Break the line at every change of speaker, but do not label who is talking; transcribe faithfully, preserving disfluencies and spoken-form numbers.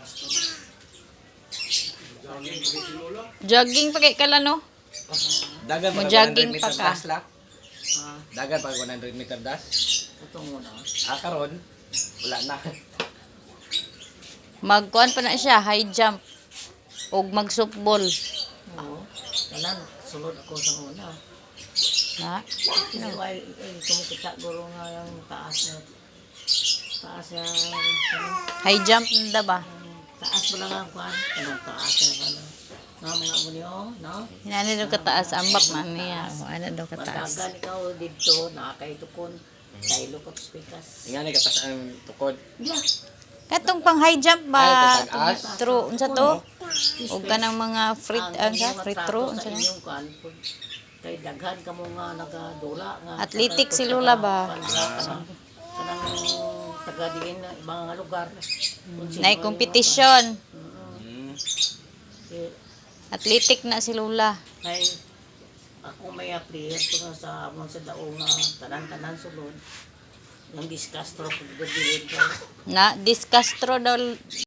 Jogging pa kay kala no?
Dagan
Mo
pa
jogging
one hundred
pa
meter
ka.
dash la.
Ah,
Dagan pa one hundred meter dash.
ito muna.
Ah, karon wala na.
Magkuan pa na siya, high jump. Og mag-softball.
Oo. Kanan, sulod ako sa una.
Na?
Kasi while, eh, kumukita guro nga yung taas na, taas yung, ano,
High jump na ba?
taas mo lang ang kwan. Anong taas na ano. Nga mga mo niyo, no?
Hinani daw kataas, ambak man niya. O, ano daw kataas.
Madagan ikaw dito, nakakaitukon. Sa ilokot speakers.
Ingani katas ang tukod.
Yeah.
Katong pang high jump ba?
Ay, tataas.
True, unsa to? O kanang mga free, ano sa? Free throw, unsa
sa
na?
inyong kwan. Kay daghan ka mo nga nagadula nga.
Athletic si Lola ba?
Kanang kanang taga diin na ibang nga lugar.
Nay competition.
Hmm.
Athletic na si Lola.
Kay ako may player to nga sa amon sa daong nga tanan-tanan sulod. Yung discastro pag gilid ko.
Na, Discastro daw